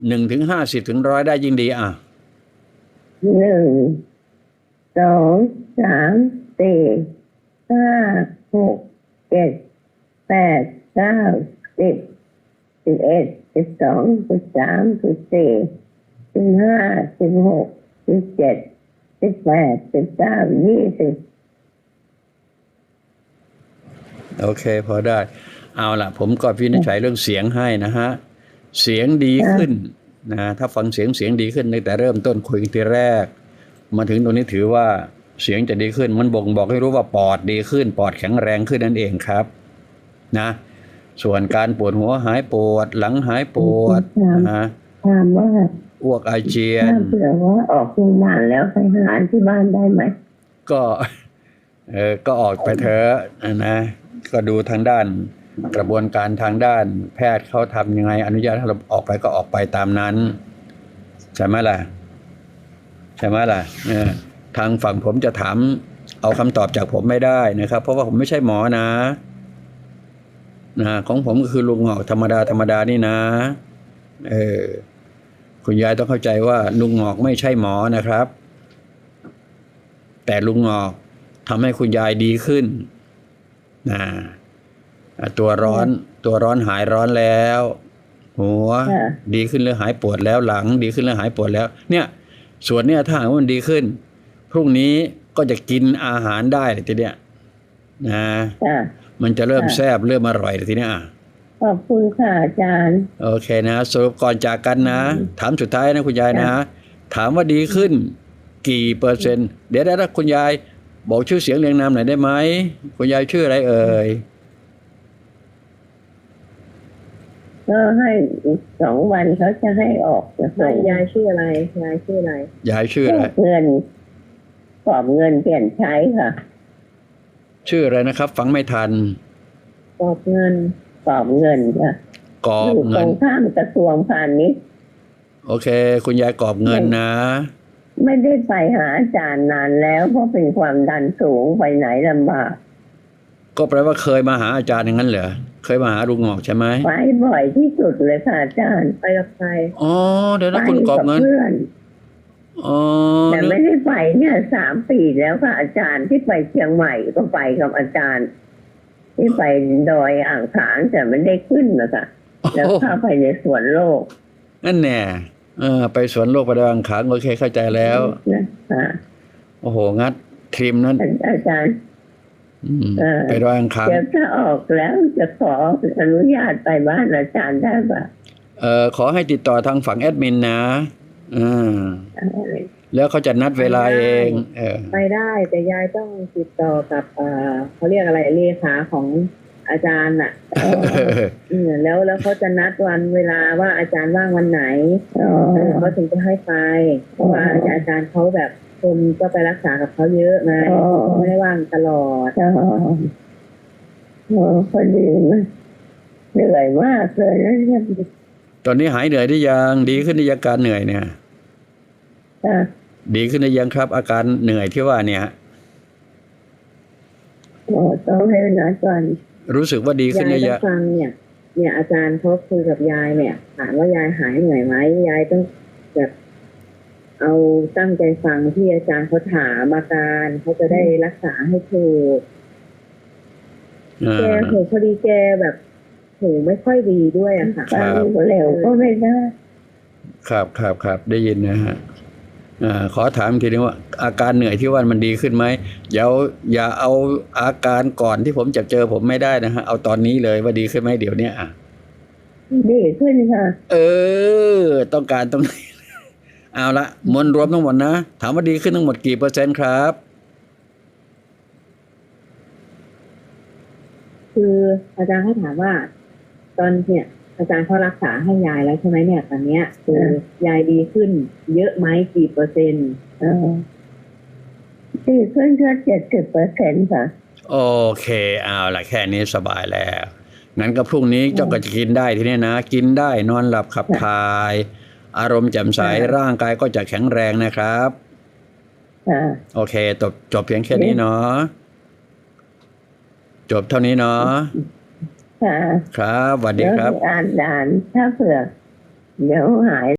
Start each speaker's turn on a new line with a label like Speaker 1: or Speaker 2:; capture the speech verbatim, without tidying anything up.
Speaker 1: หนึ่งถึงห้าสิบถึงร้อยได้ยิ่งดีอ่ะ
Speaker 2: หนึ่งสองสามสี่ห้าหกเจ็ดแปดเก้าสิบสิบเอ็ดสิบสองสิบสามสิบสี่สิบห้าสิบหกสิบเจ็ดสิบแปดสิบเก้ายี่สิบ
Speaker 1: โอเคพอได้เอาล่ะผมก็วินิจฉัยเรื่องเสียงให้นะฮะเสียงดีขึ้นนะถ้าฟังเสียงเสียงดีขึ้นตั้งแต่เริ่มต้นคุยทีแรกมาถึงตรงนี้ถือว่าเสียงจะดีขึ้นมันบ่งบอกให้รู้ว่าปอดดีขึ้นปอดแข็งแรงขึ้นนั่นเองครับนะส่วนการปวดหัวหายปวดหลังหายปวดนะ
Speaker 2: ถามว่า
Speaker 1: อ้วกอาเจียน
Speaker 2: ถ้าเผื่อว่าออกโรงพยาบาลแล้วไปหาที่บ้านได้ไหม
Speaker 1: ก็เออก็ออกไปเถอะนะก็ดูทางด้านกระบวนการทางด้านแพทย์เขาทำยังไงอนุญาตให้เราออกไปก็ออกไปตามนั้นใช่ไหมล่ะใช่ไหมล่ะเออทางฝั่งผมจะถามเอาคำตอบจากผมไม่ได้นะครับเพราะว่าผมไม่ใช่หมอนะนะของผมก็คือลุงหงอกธรรมดาธรรมดานี่นะเออคุณยายต้องเข้าใจว่าลุงหงอกไม่ใช่หมอนะครับแต่ลุงหงอกทำให้คุณยายดีขึ้นนะตัวร้อนตัวร้อนหายร้อนแล้วหัวดีขึ้นหรือหายปวดแล้วหลังดีขึ้นหรือหายปวดแล้วเนี่ยส่วนเนี้ยถ้าหากว่ามันดีขึ้นพรุ่งนี้ก็จะกินอาหารได้ทีเนี้ยนะมันจะเริ่มแซ่บเริ่มอร่อยทีเนี้ย
Speaker 2: ขอบคุณค่ะอาจารย์
Speaker 1: โอเคนะสรุปก่อนจากกันนะถามสุดท้ายนะคุณยายนะถามว่าดีขึ้นกี่เปอร์เซ็นต์เดี๋ยวถ้าคุณยายบอกชื่อเสียงเรียงนามหน่อยได้ไหมคุณยายชื่ออะไรเอ่ย
Speaker 2: ก็ให้สองวันเขาจะให้ออกจะส่ง
Speaker 3: ยายชื่ออะไรยายชื่ออะไร
Speaker 1: ยายชื่ออะไร
Speaker 2: เงินกอบเงินเปลี่ยนใช้ค่ะ
Speaker 1: ชื่ออะไรนะครับฟังไม่ทัน
Speaker 3: กอบเงิน
Speaker 2: กอบเงินค่ะ
Speaker 1: กอบเงิน
Speaker 2: ตรงข้ามกระทรวงพาณิชย์
Speaker 1: โอเคคุณยายกอบเงินนะ
Speaker 2: ไม่ได้ไปหาอาจารย์นานแล้วเพราะเป็นความดันสูงไปไหนลำบาก
Speaker 1: ก็แปลว่าเคยมาหาอาจารย์อย่างนั้นเหรอเคยมาหาลุงหงอกใช่ไหม
Speaker 2: ไปบ่อยที่สุดเลยค่ะอาจารย์
Speaker 3: ไปกับใคร
Speaker 1: อ๋อเดี๋ยวนะคุณกอบเงิน
Speaker 2: อ๋อแต่ไม่ได้ไปเนี่ยสามปีแล้วค่ะอาจารย์ที่ไปเชียงใหม่ก็ไปกับอาจารย์ที่ไปดอยอ่างขางแต่ไม่ได้ขึ้นนะคะแล้วเข้าไปในสวนโลก
Speaker 1: นั่นแน่เออไปสวนโลกไปดอยอ่างขางโอเคเข้าใจแล้วโอ้โหงัดทริมนั้น
Speaker 2: อาจารย์
Speaker 1: ไปดอยอ่างขาง
Speaker 2: เดี๋ยวถ้าออกแล้วจะขออนุญาตไปบ้านอาจารย์ได้ปะ
Speaker 1: เออขอให้ติดต่อทางฝั่งแอดมินนะอืมแล้วเขาจะนัดเวลาเองเออ
Speaker 3: ไปได้แต่ยายต้องติดต่อกับเออเขาเรียกอะไรเลขาของอาจารย์อ่ะแล้วแล้วเขาจะนัดวันเวลาว่าอาจารย์ว่างวันไหนเขาถึงจะให้ไปเพราะว่าอาจารย์เขาแบบคนก็ไปรักษากับเขาเยอะไงไม่ได้ว่างตลอด
Speaker 2: โอ้พอดีนะเหนื่อยมากเลยนะ
Speaker 1: ตอนนี้หายเหนื่อยได้ยังดีขึ้นในอาการเหนื่อยเนี่ยดีขึ้นได้ยังครับอาการเหนื่อยที่ว่าเนี่ย
Speaker 2: โอ้ต้องให้นัดก่อน
Speaker 1: รู้สึกว่าดีขึ้นได้
Speaker 3: ยังฟังเนี่ยเนี่ยอาจารย์เขาคุยกับยายเนี่ยถามว่ายายหายเหนื่อยไหมยายต้องแบบเอาตั้งใจฟังที่อาจารย์เขาถามอาการเขาจะได้รักษาให้ถูกแกหูพอดีแกแบบหูไม่ค่อยดีด้วยอะค่ะ
Speaker 2: เร็วก็ไม่ได้
Speaker 1: ครับครับครับได้ยินนะฮะอ่าขอถามทีนึงว่าอาการเหนื่อยที่ว่ามันดีขึ้นไหมเดี๋ยวอย่าเอาอาการก่อนที่ผมจะเจอผมไม่ได้นะฮะเอาตอนนี้เลยว่าดีขึ้นไหมเดี๋ยวนี้อ่ะ
Speaker 2: ดีขึ้นค่ะ
Speaker 1: เออต้องการตรงนี้เอาละมวลรวมทั้งหมดนะถามว่าดีขึ้นทั้งหมดกี่เปอร์เซ็นต์ครับ
Speaker 3: คืออาจารย์เขาถามว่าตอนเนี่ยอาจารย์เขารักษาให้ยายแล้วใช่ไหมเนี่ยตอนเนี้ยคือยายดีขึ้นเยอะไหมกี่เปอร์เซ็นต์
Speaker 2: เออดีขึ้นแค่เจ็ดสิบเปอร์เซ็นต์ค่ะ
Speaker 1: โอเคเอาละแค่นี้สบายแล้วงั้นก็พรุ่งนี้เจ้าก็จะกินได้ทีนี้นะกินได้นอนหลับขับถ่ายอารมณ์แจ่มใสร่างกายก็จะแข็งแรงนะครับโอเคจบจบเพียงแค่นี้เนาะจบเท่านี้เนาะครับสวัสดีครับ
Speaker 2: อ่านด่านถ้าเผื่อเดี๋ยวหาย